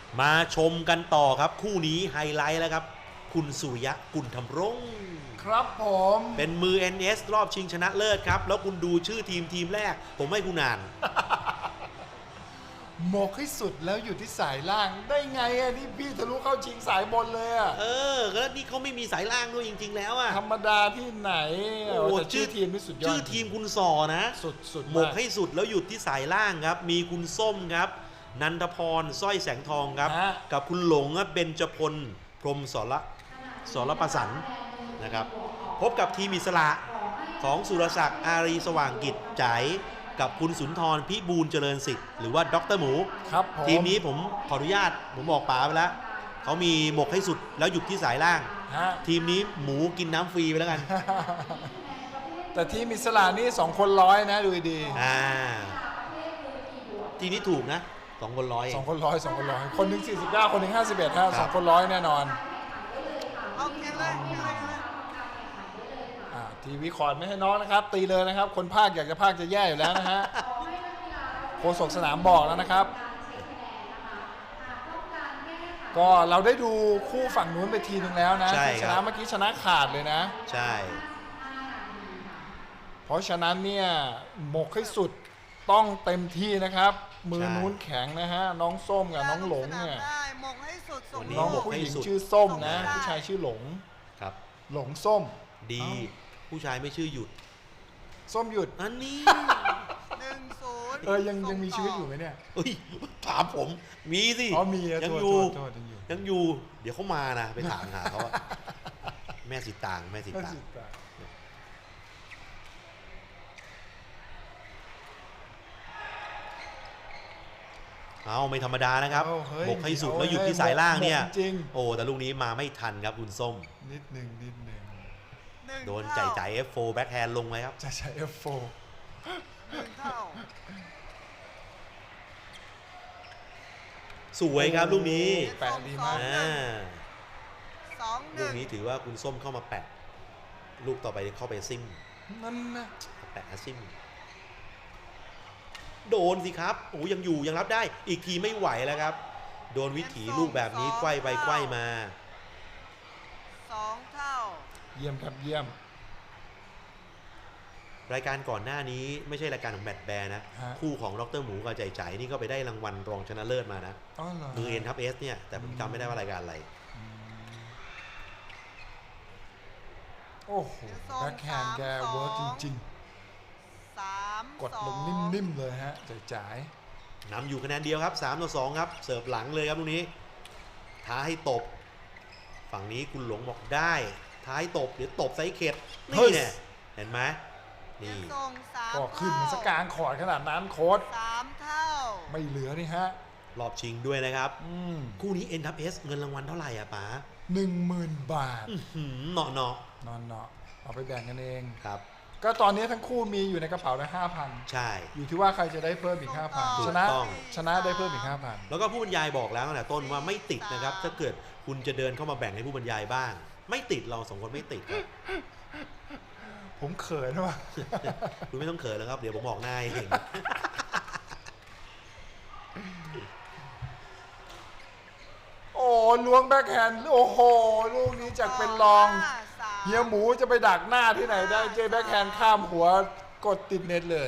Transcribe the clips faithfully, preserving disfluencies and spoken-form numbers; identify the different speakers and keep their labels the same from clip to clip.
Speaker 1: มาชมกันต่อครับคู่นี้ไฮไลท์แล้วครับคุณสุริยะกุลธำรงค์
Speaker 2: ครับผม
Speaker 1: เป็นมือ เอ็น เอส รอบชิงชนะเลิศครับแล้วคุณดูชื่อทีมทีมแรกผมให้คุณอ่าน
Speaker 2: หมกให้สุดแล้วอยู่ที่สายล่างได้ไงอ่ะนี่พี่ทะลุเข้าชิงสายบนเลยอ่ะ
Speaker 1: เออแล้วนี่เขาไม่มีสายล่างด้วยจริงๆแล้วอะ
Speaker 2: ธรรมดาที่ไหน
Speaker 1: โอ้
Speaker 2: แต่ชื่อทีมนี่สุดยอด
Speaker 1: ชื่อทีมคุณสอนะ
Speaker 2: สุดสุด
Speaker 1: หมกให้สุดแล้วหยุดที่สายล่างครับมีคุณส้มครับนันทพรสร้อยแสงทองครับกับคุณหลงเบญจพลพรหมสรสรประสันนะครับพบกับทีมอิสระของสุรศักดิ์อารีสว่างกิจจ๋ายกับคุณสุนทรพิบูลเจริญสิทธิ์หรือว่าด็อกเตอร์หมู
Speaker 2: ครับผม
Speaker 1: ทีมนี้ผมขออนุญาตผมบอกป๋าไปแล้วเขามีหมกให้สุดแล้วหยุดที่สายล่าง
Speaker 2: ฮะ
Speaker 1: ทีมนี้หมูกินน้ำฟรีไปแล้วกัน
Speaker 2: แต่ทีมอิสระนี่สองคนร้อยนะดูดี
Speaker 1: อ่าทีนี้ถูกนะสองคนร้อย
Speaker 2: สองคนร้อยสองคนร้อยคนหนึ่งสี่สิบเก้าคนหนึ่งห้าสิบเอ็ดฮะสองคนร้อยแน่นอน
Speaker 3: เอาเขียนเลยเขียนเลยเขียนเลย
Speaker 2: อ่าทีวีคอร์ดไม่ให้น้องนะครับ ตีเลยนะครับ คนภาคอยากจะภาคจะแย่อยู่แล้วนะฮะโฆษกสนามบอกแล้วนะครับ ก็เราได้ดูคู่ฝั่งนู้นไปทีนึงแล้วนะ
Speaker 1: ใช่
Speaker 2: ที่ช
Speaker 1: ครั
Speaker 2: นะ
Speaker 1: บ
Speaker 2: เมื่อกี้ชนะขาดเลยนะ
Speaker 1: ใช่
Speaker 2: เพราะฉะนั้นเนี่ยหมกให้สุดต้องเต็มที่นะครับ มือนู้นแข็งนะฮะน้องส้มกับน้องหลงเนี่ย
Speaker 3: ได้หมกให้สุดส่ง
Speaker 2: น้อง
Speaker 3: ลูก
Speaker 2: ผู้หญิงชื่อส้มนะ
Speaker 3: ส่งได้
Speaker 2: ผู้ชายชื่อหลง
Speaker 1: ครับ
Speaker 2: หลงส้ม
Speaker 1: ดี
Speaker 2: เอ้า
Speaker 1: ผู้ชายไม่ชื่อหยุด
Speaker 2: ส้มหยุด
Speaker 1: อันนี้
Speaker 3: หนึ่งศูนย์
Speaker 2: เออยังยังมีชีวิตอยู่ไหมเนี่ย
Speaker 1: เฮ้ยถามผมมีสิ
Speaker 2: อ๋อมีอะ
Speaker 1: ยัง
Speaker 2: โทษ
Speaker 1: อยู่
Speaker 2: โทษโทษยังอยู่
Speaker 1: ยังอยู่ เดี๋ยวเขามานะไปถามหาเขาอะแม่สิตางแม่สิ
Speaker 2: น่า
Speaker 1: ตาง
Speaker 2: สิตา
Speaker 1: เอาไม่ธรรมดานะครับ
Speaker 2: เอาเฮ้ย
Speaker 1: บกให้สุด
Speaker 2: เอา
Speaker 1: แล้วหยุด
Speaker 2: เฮ้
Speaker 1: ที่สายล่างเนี่ย
Speaker 2: หมกจริง
Speaker 1: โอ้แต่ลูกนี้มาไม่ทันครับคุณส้ม
Speaker 2: นิดหนึ่งนิดหนึ่ง
Speaker 3: หนึ่ง
Speaker 1: โดน
Speaker 3: เท่า
Speaker 1: จ่ายจ่าย เอฟ โฟร์ แบ็คแฮนด์ลงไว้ครับ
Speaker 2: จะใช้ เอฟ โฟร์
Speaker 3: หนึ่งเท่า
Speaker 1: สวยครับลูกนี้
Speaker 2: แปะดีมาก
Speaker 1: อ่า
Speaker 3: สองห
Speaker 1: ลู
Speaker 3: นึ่
Speaker 1: ก
Speaker 3: ง
Speaker 1: นี้ถือว่าคุณส้มเข้ามาแปะ ลูกต่อไปเข้าไปซิม
Speaker 2: นั่นนะ
Speaker 1: แปะซิม โดนสิครับโอ้ยังอยู่ยังรับได้ อีกทีไม่ไหวแล้วครับ โดนวิถีลูกแบบนี้ไกว้ไปไกว้มา
Speaker 3: สองเท่า
Speaker 2: เยี่ยมครับเยี่ยม
Speaker 1: รายการก่อนหน้านี้ไม่ใช่รายการของแบทแบร์นะ
Speaker 2: ฮะ
Speaker 1: คู่ของดรหมูกับใจใจนี่ก็ไปได้รางวัลรองชนะเลิศมานะ
Speaker 2: อ๋อเหรอ
Speaker 1: มือเอ็นทับเอสเนี่ย แต่ผมจำไม่ได้ว่ารายการอะไร
Speaker 2: โอ้โหแบ็คแฮนด์แกเวิร์กจริง
Speaker 3: สาม
Speaker 2: ๆ กด
Speaker 3: สอง
Speaker 2: ลงนิ่มๆเลยฮะจ่าย
Speaker 1: นำอยู่คะแนนเดียวครับสามต่อสองครับ เสิร์ฟหลังเลยครับลูกนี้ ท้าให้ตบ ฝั่งนี้คุณหลงบอกได้ ท้ายตบ เดี๋ยวตบไซส์เข็ดนี่เนี่ยเห็นไหมนี่
Speaker 3: ส่งสาม
Speaker 2: ๆก็ขึ้นมาสกกลางขอดขนาดนั้นโค้ด
Speaker 3: สามเท่า
Speaker 2: ไม่เหลือนี่ฮะ
Speaker 1: รอบชิงด้วยนะครับ
Speaker 2: อืม
Speaker 1: คู่นี้ N ทับ S เงินรางวัลเท่าไหร่อะป๋า
Speaker 2: หนึ่งหมื่นบาท
Speaker 1: อื้อหือเนาะเนาะ
Speaker 2: นอนเนาะเอาไปแบ่งกันเอง
Speaker 1: ครับ
Speaker 2: ก็ตอนนี้ทั้งคู่มีอยู่ในกระเป๋าละห้าพัน
Speaker 1: ใช่
Speaker 2: อยู่ที่ว่าใครจะได้เพิ่มอีกห้าพัน
Speaker 1: ถูก
Speaker 2: ชนะ
Speaker 1: ต้อง
Speaker 2: ชนะได้เพิ่มอีกห้าพัน
Speaker 1: แล้วก็ผู้บรรยายบอกแล้วตั้งแต่ต้นว่าไม่ติดนะครับ ถ้าเกิดคุณจะเดินเข้ามาแบ่งให้ผู้บรรยายบ้าง ไม่ติดเราสองคนไม่ติดครับ
Speaker 2: ผมเขินว่ะ
Speaker 1: คุณไม่ต้องเขินแล้วครับ เดี๋ยวผมบอกหน้าเอง
Speaker 2: โอ้ล้วงแบ็คแฮนด์โอ้โห ลูกนี้จากเป็นรอง
Speaker 3: ห้าสาม
Speaker 2: เฮียหมูจะไปดักหน้าที่ไหนได้เจอแบ็คแฮนด์ข้ามหัวกดติดเน็ตเลย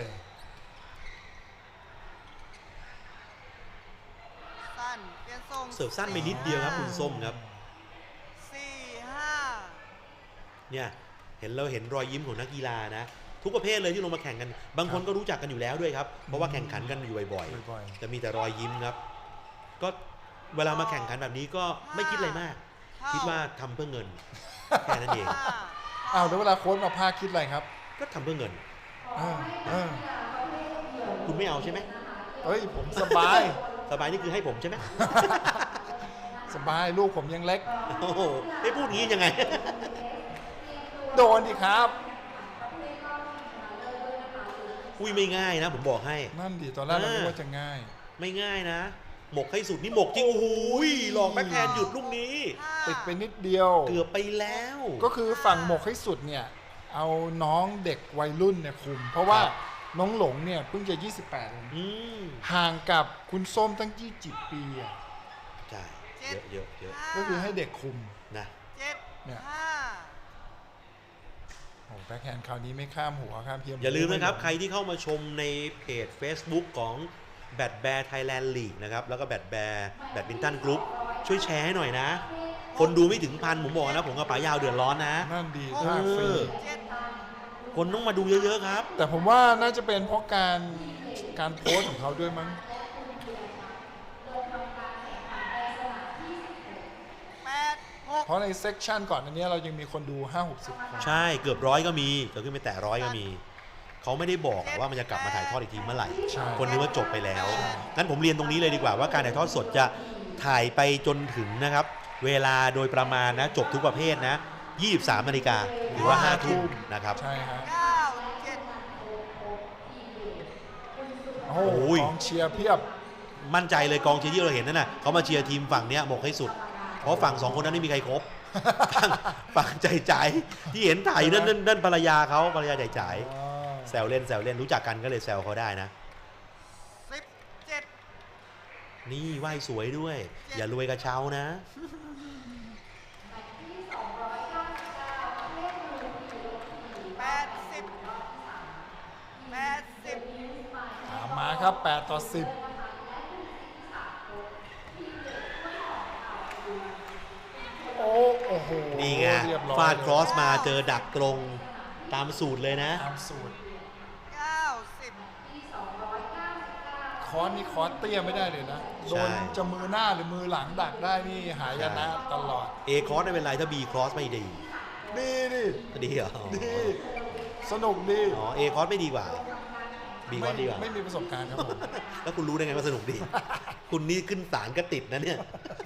Speaker 3: สั้นเปลี่ยนส่ง
Speaker 1: เสิร์ฟสั้นไปนิดเดียวครับคุณส้มครับ
Speaker 3: สี่ห้า
Speaker 1: เนี่ยเห็นเราเห็นรอยยิ้มของนักกีฬานะ ทุกประเภทเลยที่ลงมาแข่งกัน บางคนก็รู้จักกันอยู่แล้วด้วยครับ เพราะว่าแข่งขันกันอยู่บ่อย
Speaker 2: บ่อย
Speaker 1: ๆจะมีแต่รอยยิ้มครับ ก็เวลามาแข่งขันแบบนี้ก็ไม่คิดอะไรมาก คิดว่าทำเพื่อเงิน แค่นั้นเอง
Speaker 3: ห้า
Speaker 2: อ้าวแล้วเวลาโค้ชมาพากคิดอะไรครับ
Speaker 1: ก็ทำเพื่อเงิน
Speaker 2: เออเออ
Speaker 1: คุณไม่เอาใช่ไหม
Speaker 2: เฮ้ยผมสบาย
Speaker 1: สบายนี่คือให้ผมใช่ไหม
Speaker 2: สบายลูกผมยังเล็ก
Speaker 1: โอ้โหไอ้พูดงี้ยังไง
Speaker 2: โดนดิครับ
Speaker 1: อุ้ยไม่ง่ายนะ ผมบอกให้
Speaker 2: นั่นดิตอนแรกเราคิดว่าจะง่าย
Speaker 1: ไม่ง่ายนะ หมกให้สุดนี่หมกจริง โอ้โหหลอกแบ็คแฮนด์หยุดลูกนี้
Speaker 3: ห้า
Speaker 2: ติดไปนิดเดียว
Speaker 1: เกือบไปแล้ว
Speaker 2: ก็คือฝั่งหมกให้สุดเนี่ยเอาน้องเด็กวัยรุ่นเนี่ยคุม เพราะว่า
Speaker 1: ครับ
Speaker 2: น้องหลงเนี่ยเพิ่งจะยี่สิบแปดเอง
Speaker 1: อืม
Speaker 2: ห่างกับคุณส้มตั้งยี่สิบปีอะ
Speaker 1: ใช่เยอะเยอะเยอะ
Speaker 3: ห้า
Speaker 2: ก็คือให้เด็กคุม
Speaker 1: นะ
Speaker 3: เจ็ด
Speaker 2: เนี่ย
Speaker 3: ห้า
Speaker 2: โอ้แบ็คแฮนด์คราวนี้ไม่ข้ามหัวข้ามเพียม
Speaker 1: อย่าลืมนะครับใครที่เข้ามาชมในเพจ Facebook ของแบดแบร์ไทยแลนด์ลีกนะครับแล้วก็แบดแบร์แบดมินตันกรุ๊ปช่วยแชร์ให้หน่อยนะ คนดูไม่ถึงพันผมบอกนะผมกับป๋ายาวเดือดร้อนนะ
Speaker 2: นั่นดี
Speaker 1: เอ
Speaker 2: ภาคฟรี
Speaker 1: อ
Speaker 3: เจ็ด
Speaker 1: คนต้องมาดูเยอะๆครับ
Speaker 2: แต่ผมว่าน่าจะเป็นเพราะการการโพสต์ของเขาด้วยมั้ง
Speaker 3: แปดหก
Speaker 2: เพราะในเซกชันก่อนอันนี้เรายังมีคนดู ห้าหกสิบ คน
Speaker 1: ใช่เกือบร้อยก็มีเกือบขึ้นไปแตะร้อยก็มี เขาไม่ได้บอกว่ามันจะกลับมาถ่ายทอดอีกทีเมื่อไหร่
Speaker 2: ใช่
Speaker 1: คนนึกว่าจบไปแล้วงั้นผมเรียนตรงนี้เลยดีกว่าว่าการถ่ายทอดสดจะถ่ายไปจนถึงนะครับ เวลาโดยประมาณนะจบทุกประเภทนะยี่สิบสามนาฬิกาหรือว่าห้าทุ่มนะครับ
Speaker 2: ใช่ฮะ
Speaker 3: เก้าเจ็ด
Speaker 2: โอ้โห
Speaker 1: โอ้ย
Speaker 2: กองเชียร์เพียบ
Speaker 1: มั่นใจเลยกองเชียร์ที่เราเห็นนั่นน่ะเขามาเชียร์ทีมฝั่งเนี้ยบอกให้สุด เพราะฝั่งสองคนนั้นไม่มีใครครบ ฝั่งฝั่งใจใจที่เห็นถ่ายนั่นนั่นนั่นภรรยาเขาภรรยาใจใจแซวเล่นแซวเล่นรู้จักกันก็เลยแซวเขาได้นะ
Speaker 3: สิบเจ็ด
Speaker 1: นี่ไหว้สวยด้วย อย่ารวยกระเช้านะ
Speaker 3: แปดสิบแปดสิบ
Speaker 2: ตามมาครับ แปด ต่อ สิบ โอ้โอ้โห
Speaker 1: นี่ไง
Speaker 2: เรียบร้อย
Speaker 1: ฟาดครอส
Speaker 2: เลย
Speaker 1: มาเจอดักตรงตามสูตรเลยนะ
Speaker 2: ตามสูตร
Speaker 3: เก้าสิบ
Speaker 2: คอร์สนี่คอร์สเตี้ยไม่ได้เลยนะ โดนจะมือหน้าหรือมือหลังดักได้นี่หายนะตลอด
Speaker 1: A ครอสไม่เป็นไรถ้า B ครอสไม่ดี
Speaker 2: ดีดิ
Speaker 1: ดีเหรอ
Speaker 2: ดี สนุกดี
Speaker 1: อ๋อ A ครอสไม่ดีกว่า B ครอสดีกว่า
Speaker 2: ไม่มีประสบการณ์ครับผม
Speaker 1: แล้วคุณรู้ได้ไงว่าสนุกดี คุณนี่ขึ้นศาลก็ติดนะเนี่ย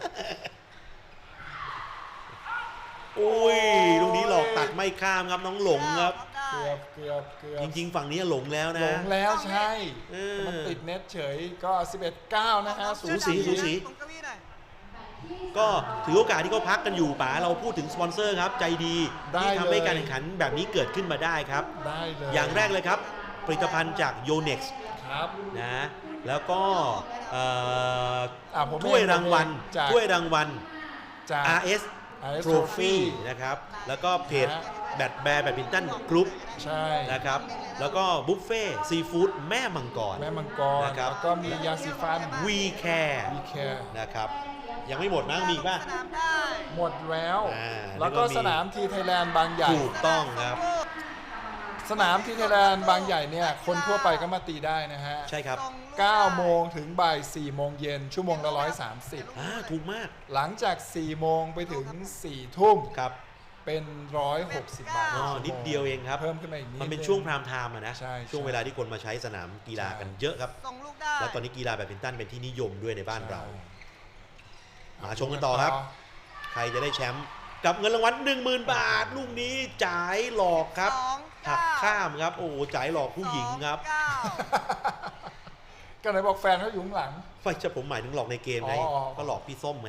Speaker 1: โอ้ยลูกนี้หลอกตัดไม่ข้ามครับน้องหลงครับ
Speaker 3: ได้
Speaker 2: เกือบเกือบเกือบ
Speaker 1: จริง ๆ ฝั่งนี้หลงแล้ว
Speaker 2: หล
Speaker 1: นะ
Speaker 2: งแล้วใช่
Speaker 1: เออ
Speaker 2: มันติดเน็ตเฉยก็ สิบเอ็ด เก้า นะฮะ
Speaker 1: สูสีสูสี
Speaker 3: ตรงเก้าอี้หน่อย
Speaker 1: ก็ถือโอกาสที่เขาพักกันอยู่ป๋าเราพูดถึงสปอนเซอร์ครับ ใจดี
Speaker 2: ได้
Speaker 1: ที่ทำให้
Speaker 2: เลย
Speaker 1: การแข่งขันแบบนี้เกิดขึ้นมาได้ครับ
Speaker 2: ได้เลย
Speaker 1: อย่างแรกเลยครับ ผลิตภัณฑ์จาก โยเน็กซ์
Speaker 2: ครับ
Speaker 1: นะแล้วก็เอ่อ
Speaker 2: อ่ะผม
Speaker 1: ถ้วยรางวัล
Speaker 2: จาก
Speaker 1: ถ้วยรางวัล
Speaker 2: จาก
Speaker 1: อาร์ เอส
Speaker 2: อาร์ เอส
Speaker 1: Trophy นะครับ แล้วก็เพจ
Speaker 2: นะ
Speaker 1: แบดแบร์แบดมินตันกรุ๊ป
Speaker 2: ใช่
Speaker 1: นะครับ แล้วก็บุฟเฟ่ซีฟู้ดแม่มังกร
Speaker 2: แม่มังกร
Speaker 1: นะครับ
Speaker 2: แล้วก็มียาสีฟัน
Speaker 1: วีแคร์
Speaker 2: วีแคร์
Speaker 1: นะครับ ยังไม่หมดนะมีอีกป่ะ
Speaker 3: สนามได้
Speaker 2: หมดแล้ว
Speaker 1: อ่า
Speaker 2: แล้วก็
Speaker 1: แล้วก็มี
Speaker 2: สนามทีไทยแลนด์บางใหญ่
Speaker 1: ถูกต้องครับ
Speaker 2: สนามทีไทยแลนด์บางใหญ่เนี่ย คนทั่วไปก็มาตีได้นะฮะ
Speaker 1: ใช่ครับ
Speaker 3: ส่งลูก
Speaker 2: เก้า
Speaker 3: ได้
Speaker 2: โมงถึงบ่ายสี่โมงเย็นชั่วโมงละร้อยสามสิบ
Speaker 1: อ่าถูกมาก
Speaker 2: หลังจากสี่โมงไปถึงสี่ทุ่ม
Speaker 1: ครับ
Speaker 2: เป็นร้อยหกสิบบาท
Speaker 1: อ๋อ
Speaker 2: ต่อชั่วโมง
Speaker 1: นิดเดียวเองครับ
Speaker 2: เพิ่มขึ้นมาอีกนิด
Speaker 1: มันเป็น
Speaker 2: ง
Speaker 1: ช่วงพรามไทม์อะนะ
Speaker 2: ใช่
Speaker 1: ช่วง
Speaker 2: ใช่
Speaker 1: เวลาที่คนมาใช้สนามกีฬา
Speaker 2: ใช่
Speaker 1: กันเยอะครับ
Speaker 3: ส่งลูกได้
Speaker 1: แล้วตอนนี้กีฬาแบดมินตันเป็นที่นิยมด้วยในบ้านเรา
Speaker 2: ใช่
Speaker 1: มาชมกันต่อครับ ใครจะได้แชมป์กับเงินรางวัลหนึ่งหมื่นบาท ลูกนี้จ่ายหลอกครับ
Speaker 3: สอง
Speaker 1: หัก
Speaker 3: เก้
Speaker 1: ข้ามครับ โอ้โหจ่ายหลอกผู้หญิงครับ
Speaker 3: สอเก้า
Speaker 2: ก็ไหนบอกแฟนเขาอยู่ข้างหลัง
Speaker 1: ไม่ใช่ผมหมายถึงหลอกในเกมไง
Speaker 2: อ๋อ
Speaker 1: ก็หลอกพี่ส้มไง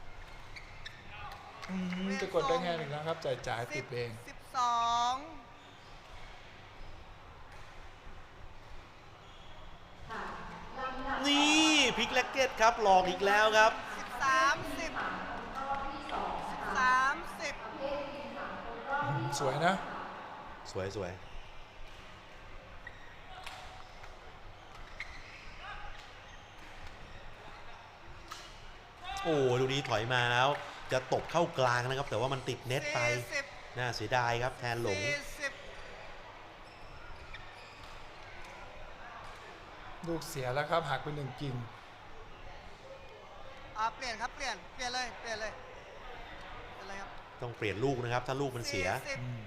Speaker 2: อืมจะกดได้ไงหนึ่งนะครับจ่ายจ่ายติดเอง
Speaker 3: สิบสอง
Speaker 1: นี่พลิกแล็กเก็ตครับ หลอกอีกแล้วครับ
Speaker 3: สิบสามสิบสิบสามสิบ
Speaker 2: สวยนะ
Speaker 1: สวยสวยโอ้ลูกนี้ถอยมาแล้ว จะตบเข้ากลางนะครับ แต่ว่ามันติดเน็ตไป
Speaker 3: สี่สิบ
Speaker 1: น่าเสียดายครับแทนหลง
Speaker 3: สี่สิบ
Speaker 2: ลูกเสียแล้วครับหักไปหนึ่งกิ่ง
Speaker 3: อ่าเปลี่ยนครับเปลี่ยนเปลี่ยนเลยเปลี่ยนเลยเปลี่ยนเลยครับ
Speaker 1: ต้องเปลี่ยนลูกนะครับ ถ้าลูกมันเสีย
Speaker 3: สี่สิบ
Speaker 2: อืม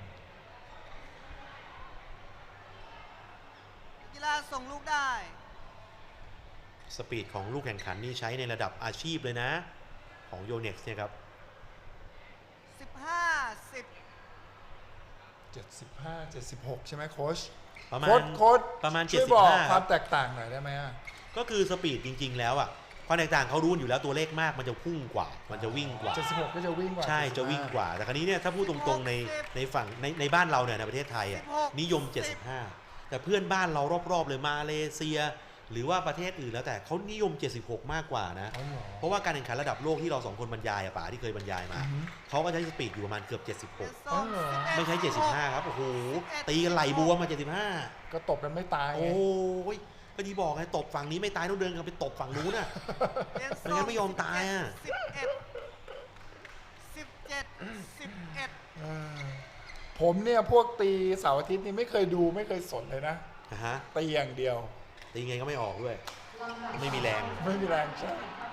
Speaker 3: กีฬาส่งลูกได้
Speaker 1: สปีดของลูกแข่งขันนี่ใช้ในระดับอาชีพเลยนะ ของ โยเน็กซ์ เนี่ยครับ
Speaker 3: สิบห้าสิบ
Speaker 2: เจ็ดสิบห้า เจ็ดสิบหกใช่ไหมโค้ช
Speaker 1: ประมา
Speaker 2: โค้
Speaker 1: ณ
Speaker 2: ชโค้ช
Speaker 1: ประมาณ
Speaker 2: ช่วยบอก
Speaker 1: เจ็ดสิบห้า
Speaker 2: ความแตกต่างหน่อยได้ไหมอะ
Speaker 1: ก็คือสปีดจริง ๆ แล้วอ่ะความแตกต่างเขารู้อยู่แล้วตัวเลขมากมันจะพุ่งกว่า มันจะวิ่งกว่า
Speaker 2: เจ็ดสิบหกก็จะวิ่งกว่า
Speaker 1: ใช่จะวิ่งกว่า แต่คราวนี้เนี่ยถ้าพูดตรงๆในในฝั่งในในบ้านเราเนี่ยในประเทศไทยอ่ะนิยม เจ็ดสิบห้า แต่เพื่อนบ้านเรารอบๆเลยมาเลเซียหรือว่าประเทศอื่นแล้วแต่เขานิยมเจ็ดสิบหกมากกว่านะ
Speaker 2: อ๋อเหรอ
Speaker 1: เพราะว่าการแข่งขันระดับโลกที่เราสองคนบรรยายอะป๋าที่เคยบรรยายมา
Speaker 2: อือฮึ
Speaker 1: เขาก็ใช้สปีดอยู่ประมาณเกือบเจ็ดสิบหก
Speaker 2: อ๋อเหรอ
Speaker 1: ไม่ใช่เจ็ดสิบห้าครับโอ้โหตีกันไหลบัวมาเจ็ดสิบห้า
Speaker 2: ก็ตบกันไม่ตายไง
Speaker 1: โอ้ยก็ที่บอกไงตบฝั่งนี้ไม่ตายต้องเดินกันไปตบฝั่งนู้นน่ะ ไม่งั้นไม่ยอมตายอะ
Speaker 3: สิบเอ็ดสิบเจ็ดสิบเอ็ด
Speaker 2: เออผมเนี่ยพวกตีเสาร์อาทิตย์นี่ไม่เคยดูไม่เคยสนเลยนะ
Speaker 1: นะฮะ
Speaker 2: ตีอย่างเดียว
Speaker 1: ตีไงก็ไม่ออกด้วย ไม่มีแรง
Speaker 2: ไม่มีแรงใช่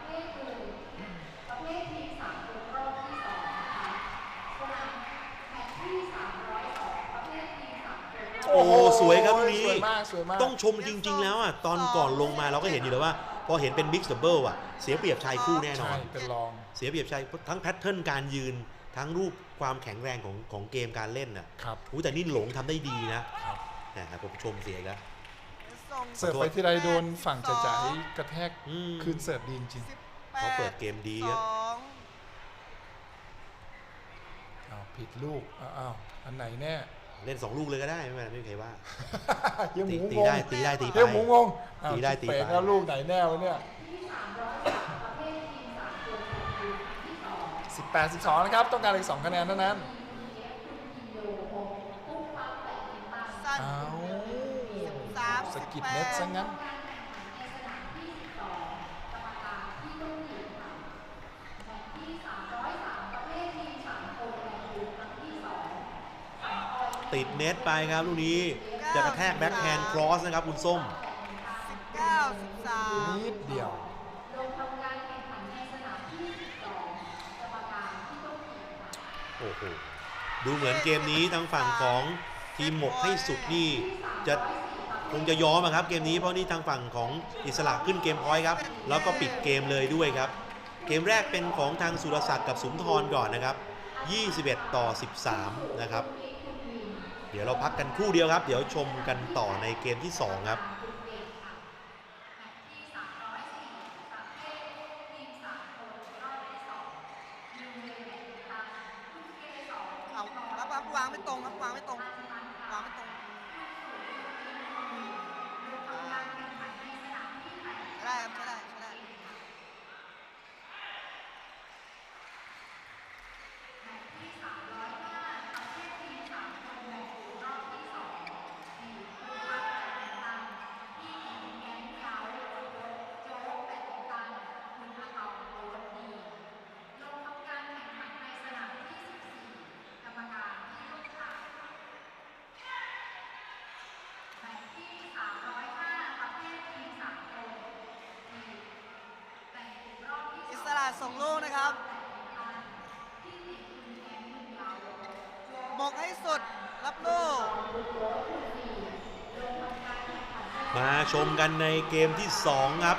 Speaker 1: โอ้โหสวยครับลูกนี้
Speaker 2: สวยมากสวยมาก
Speaker 1: ต้องชมจริง ๆ แล้วอ่ะตอนก่อนลงมาเราก็เห็นอยู่แล้วว่า พอเห็นเป็นมิกซ์ดับเบิลอ่ะเสียเปรียบชายคู่แน่นอ
Speaker 2: ใช่
Speaker 1: น
Speaker 2: เป็นรอง
Speaker 1: เสียเปรียบชายทั้งแพทเทิร์นการยืนทั้งรูปความแข็งแรงของของเกมการเล่นน่ะ
Speaker 2: ครับ
Speaker 1: อู้แต่นี่หลงทำได้ดีนะครับ แหมผมชมเสียอีกแล้ว
Speaker 2: เสิร์ฟไปที่ไรโดนฝั่งจ่ายกระแทก
Speaker 1: อืม
Speaker 2: คืนเสิร์ฟดีจริง
Speaker 3: สิบแป
Speaker 1: เขาเปิดเกมดีครับ
Speaker 3: สอง
Speaker 2: ๆอ้าวผิดลูกอ้าวอ้าวอันไหนแน่
Speaker 1: เล่นสองลูกเลยก็ได้ไม่เป็นไรไม่มีใครว่า
Speaker 2: เฮียห
Speaker 1: ตี
Speaker 2: มู
Speaker 1: ตี
Speaker 2: งง
Speaker 1: ได้ตีได้ตีไป
Speaker 2: เฮียหมูงงอ้าว
Speaker 1: ตีได้ตีไป
Speaker 2: เป๋แล้วลูกไหนแน่วะเนี่ยสิบแปดสิบสองนะครับต้องการอีกสองคะแนนเท่านั้น
Speaker 3: สั้น
Speaker 2: อ้าว
Speaker 3: สาม
Speaker 2: สะกิดเน็ตซะงั้น
Speaker 1: ติดเน็ตไปครับลูกนี้จะกระแทกแบ็คแฮนด์ครอสนะครับคุณส้ม
Speaker 3: สิบเก้าสิบสาม
Speaker 2: นิดเดียว
Speaker 1: โอ้โหดูเหมือนเกมนี้ทางฝั่งของทีมหมกให้สุดนี่จะคงจะยอมอะครับเกมนี้เพราะนี่ทางฝั่งของอิสระขึ้นเกมพอยต์ครับแล้วก็ปิดเกมเลยด้วยครับ เกมแรกเป็นของทางสุรศักดิ์กับสุนทรก่อนนะครับยี่สิบเอ็ดต่อสิบสามนะครับเดี๋ยวเราพักกันครู่เดียวครับเดี๋ยวชมกันต่อในเกมที่สองครับ
Speaker 3: เอาแล้ววางไม่ตรงครับวางไม่ตรงวางไม่ตรงใช่ได้ครับใช่ได้ใช่ได้ อิสระส่งลูกนะครับหมกให้สุดรับลูก
Speaker 1: มาชมกันในเกมที่สองครับ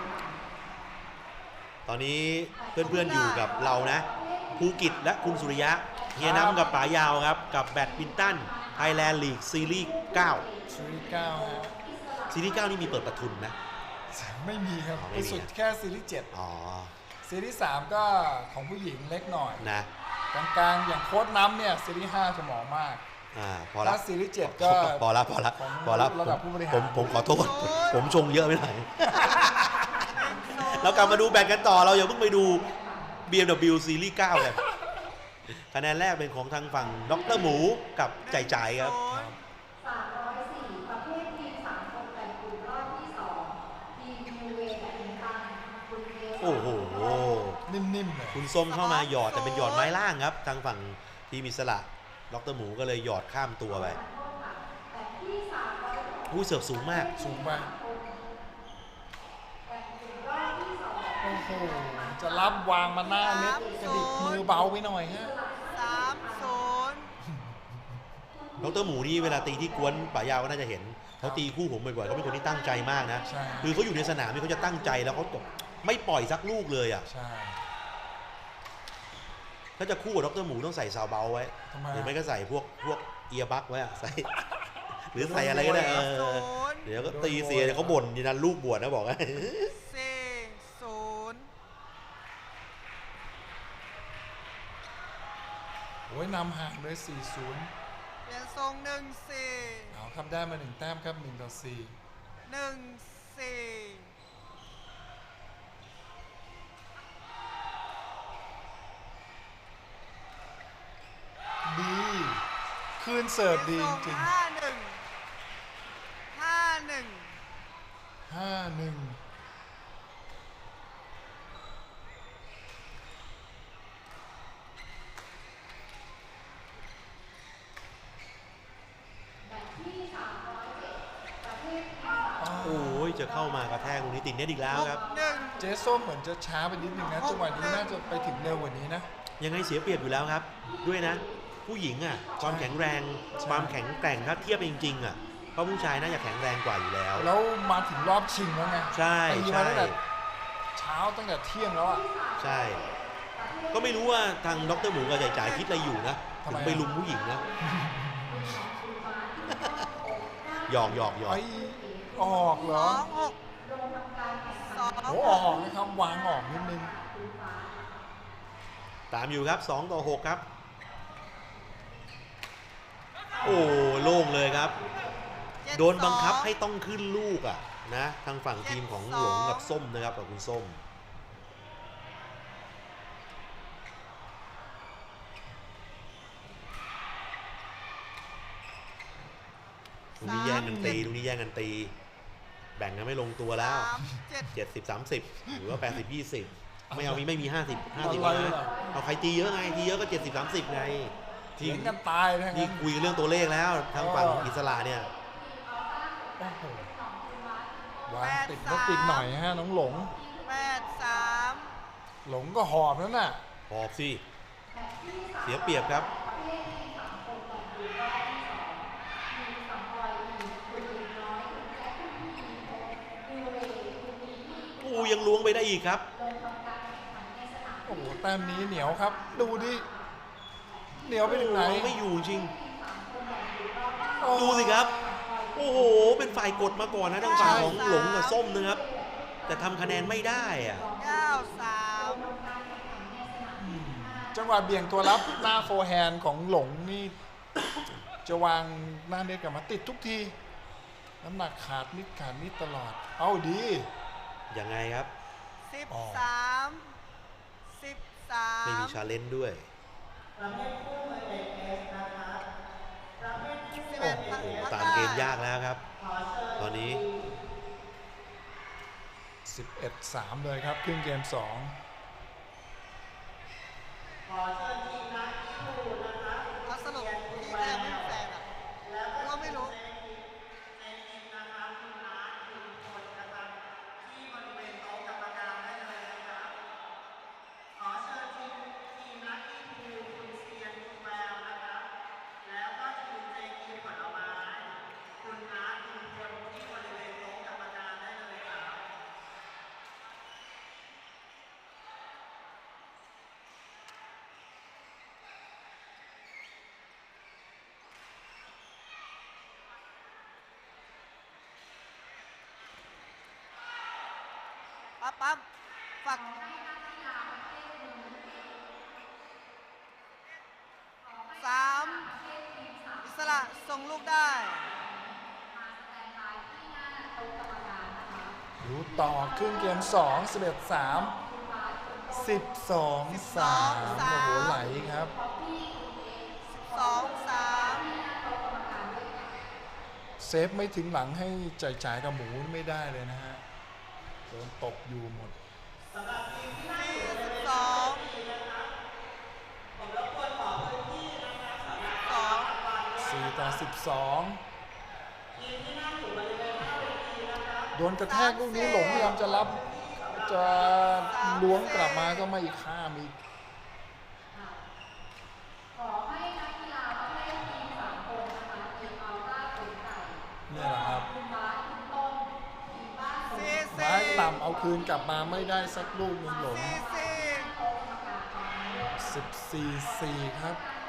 Speaker 1: ตอนนี้เพื่อนๆอยู่กับเรานะภูกิจและคุณสุริยะเฮียน้ำกับป๋ายาวครับกับแบดมินตันไทยแลนด์ลีกซีรีส์เก้า
Speaker 2: ซีรีส์เก้าฮะ
Speaker 1: ซีรีส์เก้านี่มีเปิดประทุนนะ
Speaker 2: ไม่มีครับ
Speaker 1: อ๋อไม่
Speaker 2: ไป
Speaker 1: มี
Speaker 2: สุด
Speaker 1: นะ
Speaker 2: แค่ซีรีส์เจ็ด
Speaker 1: อ๋อ
Speaker 2: ซีรีส์สามก็ของผู้หญิงเล็กหน่อย
Speaker 1: นะ
Speaker 2: กลางๆอย่างโค้ดน้ำเนี่ยซีรีส์ห้าสมองมาก
Speaker 1: อ่าพอละ
Speaker 2: ถ้าซีรีส์เจ็ดก็
Speaker 1: พอละพอละ
Speaker 2: ของ
Speaker 1: พอละ
Speaker 2: ระดับผู้บริหาร
Speaker 1: ผมผมขอโทษผมชงเยอะไปหน่อย เรากลับมาดูแบตกันต่อเราอย่าเพิ่งไปดู บี เอ็ม ดับเบิลยู ซีรีส์เก้ากันคะแนนแรกเป็นของทางฝั่งดรหมูกับใจใจครับ โอ้โห
Speaker 2: นิ่มๆเลย
Speaker 1: คุณส้มเข้ามาหยอดแต่เป็นหยอดไม้ล่างครับ ทางฝั่งทีมอิสระดรหมูก็เลยหยอดข้ามตัวไปอุ้ยเสิร์ฟสูงมาก
Speaker 2: สูงไปโอ้โหจะรับวางมาหน้าเน็ตกระดิกมือเบาไปหน่อยฮะ
Speaker 3: สามศูนย์
Speaker 1: ดรหมูนี่เวลาตีที่กวนป่ายาวก็น่าจะเห็นเขาตีคู่ผมบ่อยๆเขาเป็นคนที่ตั้งใจมากนะ
Speaker 2: ใช่
Speaker 1: คือเขาอยู่ในสนามนี่เขาจะตั้งใจแล้วเขาไม่ปล่อยสักลูกเลยอ่ะ
Speaker 2: ใช่
Speaker 1: ถ้าจะคู่กับดรหมูต้องใส่ซาวเบาไว้
Speaker 2: ทำไม
Speaker 1: หรือไม่ก็ใส่พวกพวกเอียบักไว้อะใส่ หรือใส่อะไรก็ได้เอ
Speaker 3: ศู
Speaker 1: อน
Speaker 3: ย์
Speaker 1: เดี๋ยวก็ตีเสียเดี๋ยวเขาบ่นยีนันลูกบวชนะบอกว่า
Speaker 3: สี่ศูนย์
Speaker 2: โอ้ยนำห่างเลย สี่ศูนย์
Speaker 3: เปลี่ยนทรงหนึ่งสี่
Speaker 2: เอาครับได้มาหนึ่งแต้มครับหนึ่งต่อสี่
Speaker 3: หนึ่งสี่
Speaker 2: ดีคืนเสิร์ฟดีจริง
Speaker 3: ห้าหนึ่งห้าหนึ่ง
Speaker 2: ห้าหนึ่ง
Speaker 1: โอ้ยจะเข้ามากระแทกตรงนี้ติดเน็ตอีกแล้วครับ
Speaker 3: หนึ่ง
Speaker 2: เจส้มเหมือนจะช้าไปนิดนึงนะจังหวะนี้น่าจะไปถึงเร็วกว่านี้นะ
Speaker 1: ยังไงเสียเปรียบอยู่แล้วครับ ด้วยนะ ผู้หญิงอ่ะความแข็งแรงความแข็งแกร่งถ้าเทียบจริงๆอ่ะเพราะผู้ชายน่าจะแข็งแรงกว่าอยู่แล้ว
Speaker 2: แล้วมาถึงรอบชิงแล้วไง
Speaker 1: ใช่
Speaker 2: ตี
Speaker 1: ใช่
Speaker 2: มาตั้งแต่เช้าตั้งแต่เที่ยงแล้วอ่ะ
Speaker 1: ใช่ ก็ไม่รู้ว่าทางดรหมูกับจ่ายจ่ายคิดอะไรอยู่นะ
Speaker 2: ทำ
Speaker 1: ถึ
Speaker 2: ไม
Speaker 1: ง
Speaker 2: อะ
Speaker 1: ไปลุมผู้หญิงนะหยอกหยอกหยอก
Speaker 2: ไอ้ออกเหร
Speaker 3: ส
Speaker 2: อ
Speaker 3: องหกสอง
Speaker 2: โอ้ออกนะครับวางออกนิดนึง
Speaker 1: ตามอยู่ครับสองต่อหกครับ โอ้โล่งเลยครับ
Speaker 3: เจ็
Speaker 1: โดนบังคับ
Speaker 3: สอ
Speaker 1: ให้ต้องขึ้นลูกอ่ะนะทางฝั่งทีมของหลงกับส้มนะครับกับคุณส้มตรงนี้แย่งกันตีตรงนี้แย่งกันตี แบ่งกันไม่ลงตัวแล้ว
Speaker 3: สามเจ็ด
Speaker 1: เจ็ดสิบ สามสิบ หรือว่า แปดสิบ ยี่สิบ ไม่เอามีไม่มี ห้าสิบ ห้าสิบ
Speaker 2: อะไร
Speaker 1: นะ
Speaker 2: ล่ะ
Speaker 1: เอาใครตีเยอะไงตีเยอะก็ เจ็ดสิบ สามสิบ ไง
Speaker 2: เถียงกันตายนะค
Speaker 1: นี่
Speaker 2: รับ
Speaker 1: คุยเรื่องตัวเลขแล้วทางฝั่งอิสระเนี่ย
Speaker 2: โอ้โหวางติดก็ติดหน่อยฮะน้องหลง
Speaker 3: แปดสาม
Speaker 2: หลงก็หอบแล้วน่ะ
Speaker 1: หอบสิ เสียเปรียบครับโอ้ยังล้วงไปได้อีกครับ
Speaker 2: โอ้โหแต้มนี้เหนียวครับ ดูดิเหนียวไปถึงไหน
Speaker 1: ไม่อยู่จริง
Speaker 2: โอ้
Speaker 1: ดูสิครับ โอ้โห เป็นฝ่ายกดมาก่อนนะทางฝั่งของหลงกับส้มนะครับ แต่ทำคะแนนไม่ได้อะ
Speaker 3: เก้าสาม
Speaker 2: จังหวะเบี่ยงตัวรับหน้าโฟร์แฮนด์ของหลงนี่ จะวางหน้าเน็ตกลับมาติดทุกที น้ำหนักขาดนิดขาดนิดตลอด เอาดี
Speaker 1: ยังไงครับ
Speaker 3: สิบ
Speaker 2: อ๋อ
Speaker 3: สามสิบสาม
Speaker 1: ไม่มีชาเลนจ์ด้วย
Speaker 3: สิบเอ็ด
Speaker 1: โอ้โหตามเกมยากแล้วครับ ตอนนี้
Speaker 2: สิบเอ็ดสาม เลยครับครึ่งเกมสอง
Speaker 3: เอาสรุปที่ก็ยังไม่มีแฟนอ่ะก็ไม่รู้ ปั๊บปั๊บฝักสามอิสระส่งลูกได้
Speaker 2: ดูต่อครึ่งเกมสอง สิบเอ็ดสาม สิบสอง สาม โอ้โหไหลครับ
Speaker 3: สองสาม
Speaker 2: เซฟไม่ถึงหลังให้จ่ายจ่ายกับหมูไม่ได้เลยนะฮะโดนตบอยู่หมด
Speaker 3: สี่สิบสองสอง
Speaker 2: สี่ ต่อ สิบสอง โดนกระแทกลูกนี้หลงพยายามจะรับ จะล้วงกลับมาก็ไม่ข้ามอีก เนี่ยแหละครับ
Speaker 3: สี่
Speaker 2: ไม้
Speaker 3: สี่
Speaker 2: ต่ำเอาคืนกลับมาไม่ได้สักลูกหนึงหลง
Speaker 3: สี่สี่
Speaker 2: สิบสี่ สี่ ครับ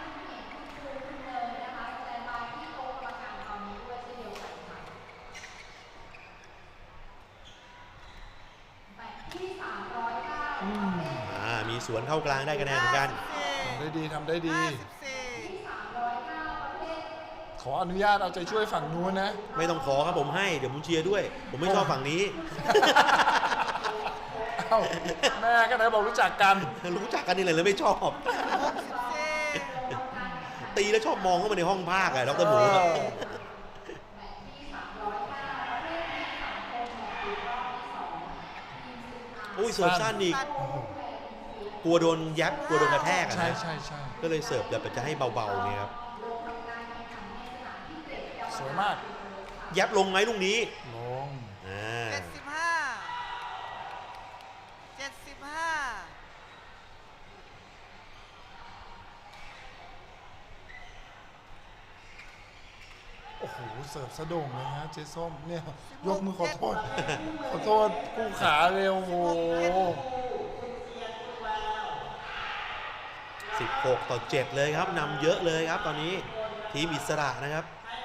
Speaker 2: อืม
Speaker 1: อ่า มีสวนเข้ากลางได้คะแนนเหมือนกัน
Speaker 2: ทำได้ดีทำได้ดี
Speaker 3: ห้าสิบสี่
Speaker 2: ขขออนุญาตเอาใจช่วยฝั่งนู้นนะ
Speaker 1: ไม่ต้องขอครับผมให้เดี๋ยวผมเชียร์ด้วย ผมไม่ชอบฝั่งนี้
Speaker 2: เอ้าแม่ก็ไหนบอกรู้จักกัน
Speaker 1: รู้จักกันนี่เลยแล้วไม่ชอบ
Speaker 3: หกสิบสี่
Speaker 1: ตีแล้วชอบมองเข้ามาในห้องภาคอะดรหมู
Speaker 2: เออ
Speaker 1: อุ้ยเสิร์ฟสั้นอีกกลัวโดนยับกลัวโดนกระแทกอะ
Speaker 2: ใช่
Speaker 1: นะ
Speaker 2: ใช่ใช่
Speaker 1: ก็เลยเสิร์ฟแบบจะให้เบาๆเนี่ยครับ
Speaker 2: สวยมาก
Speaker 1: ยับลงไหมลูกนี้
Speaker 2: ลง
Speaker 1: อ่า
Speaker 3: เจ็ดสิบห้าเจ็ดสิบห้า
Speaker 2: โอ้โหเสิร์ฟสะโด่งเลยฮะเจ๊ส้มเนี่ยยกมือขอโทษ ขอโทษกู้ขาเร็วโอ้โห
Speaker 1: สิบหกต่อเจ็ดเลยครับนำเยอะเลยครับตอนนี้ทีมอิสระนะครับ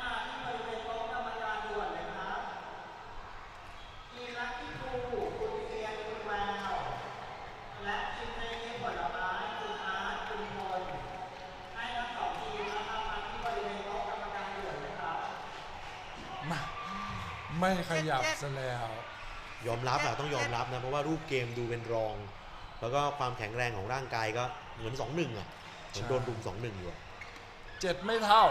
Speaker 2: มาไม่ขยับซะแล้ว
Speaker 1: ยอมรับอะต้องยอมรับนะเพราะว่ารูปเกมดูเป็นรอง แล้วก็ความแข็งแรงของร่างกายก็เหมือน สองหนึ่ง อ่ะเหมือนโดนรุม สองหนึ่ง อยู่อะ
Speaker 2: เจ็ดไม่เท่า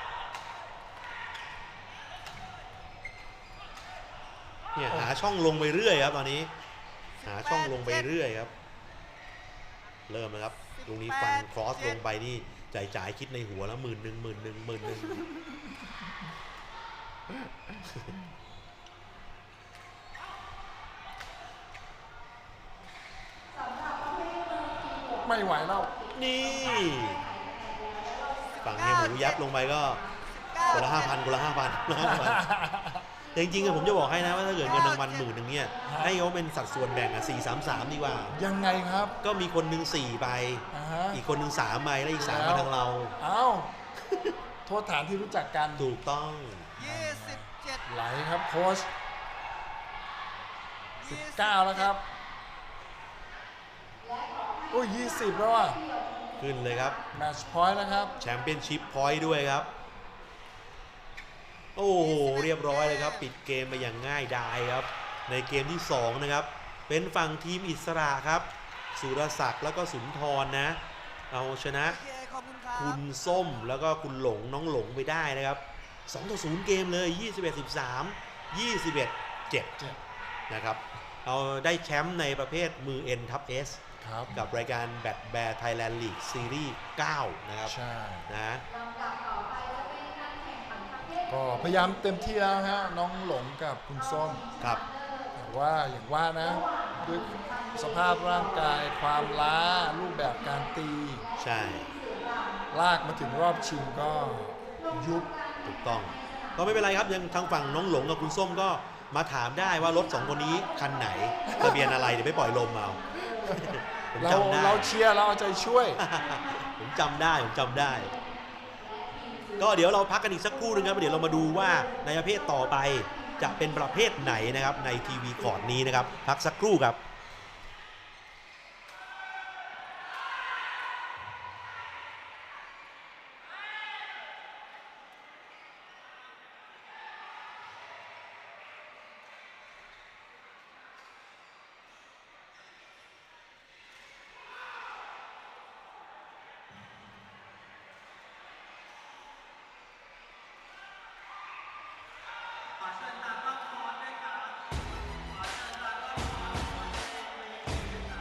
Speaker 1: เนี่ยหาช่องลงไปเรื่อยครับตอนนี้หาช่องลงไปเรื่อยครับ เริ่มนะครับตรงนี้ฟันครอสลงไปนี่จ่ายจ่ายคิดในหัวแล้วหมื่นหนึ่งหมื่นหนึ่งหมื่นหนึ่ง
Speaker 2: ไม่ไหวแล้ว
Speaker 1: นี่ฝั่งเฮียหมูยับลงไปก็คนละห้าพันคนละห้าพันแต่จริงๆอะผมจะบอกให้นะว่าถ้าเกิดเงินรางวัลหมื่นหนึ่งเนี่ยให้เขาเป็นสัดส่วนแบ่งอะสี่สามสามดีกว่า
Speaker 2: ยังไงครับ
Speaker 1: ก็มีคนหนึ่งสี่ใบ
Speaker 2: อ่าฮะ
Speaker 1: อีกคนหนึ่งสามใบแล้วอีกสามมาทางเรา
Speaker 2: เอ้าโทษฐานที่รู้จักกัน
Speaker 1: ถูกต้อง
Speaker 3: ยี่สิบเจ็ด
Speaker 2: ไหลครับโค้ชสิบเก้าแล้วครับโอ้ยยี่สิบแล้วอ่ะ
Speaker 1: ขึ้นเลยครับ
Speaker 2: แมตช์พอยต์แล้วครับ
Speaker 1: แชมเปี้ยนชิพพอยต์ด้วยครับ โอ้โห เรียบร้อยเลยครับ ปิดเกมไปอย่างง่ายดายครับ ในเกมที่สองนะครับ เป็นฝั่งทีมอิสระครับ สุรศักดิ์แล้วก็สุนทรนะ เอาชนะ
Speaker 3: โอเคขอบคุณครับ
Speaker 1: คุณส้มแล้วก็คุณหลงน้องหลงไปได้นะครับสองต่อศูนย์เกมเลย ยี่สิบเอ็ดสิบสาม ยี่สิบเอ็ดเจ็ด
Speaker 2: เจ็ด
Speaker 1: นะครับ เอาได้แชมป์ในประเภทมือ N ทับ S
Speaker 2: ครับ
Speaker 1: กับรายการแบดแบร์ไทยแลนด์ลีกซีรีส์เก้านะครับ
Speaker 2: ใช่
Speaker 1: นะ
Speaker 2: ก็พยายามเต็มที่แล้วฮะน้องหลงกับคุณส้ม
Speaker 1: ครับ
Speaker 2: แต่ว่าอย่างว่านะด้วยสภาพร่างกายความล้ารูปแบบการตี
Speaker 1: ใช่
Speaker 2: ลากมาถึงรอบชิงก็ยุบ
Speaker 1: ถูกต้อง ก็ไม่เป็นไรครับยังทางฝั่งน้องหลงกับคุณส้มก็มาถามได้ว่ารถสองคนนี้คันไหนทะเบียนอะไรเดี๋ยวไปปล่อยลมเอา ผม
Speaker 2: เรา
Speaker 1: จำได้
Speaker 2: เราเชียร์เราเอาใจช่วย
Speaker 1: ผมจำได้ผมจำได้ ก็เดี๋ยวเราพักกันอีกสักครู่หนึงครับเดี๋ยวเรามาดูว่าในประเภทต่อไปจะเป็นประเภทไหนนะครับในทีวีคอร์ดนี้นะครับพักสักครู่ครับ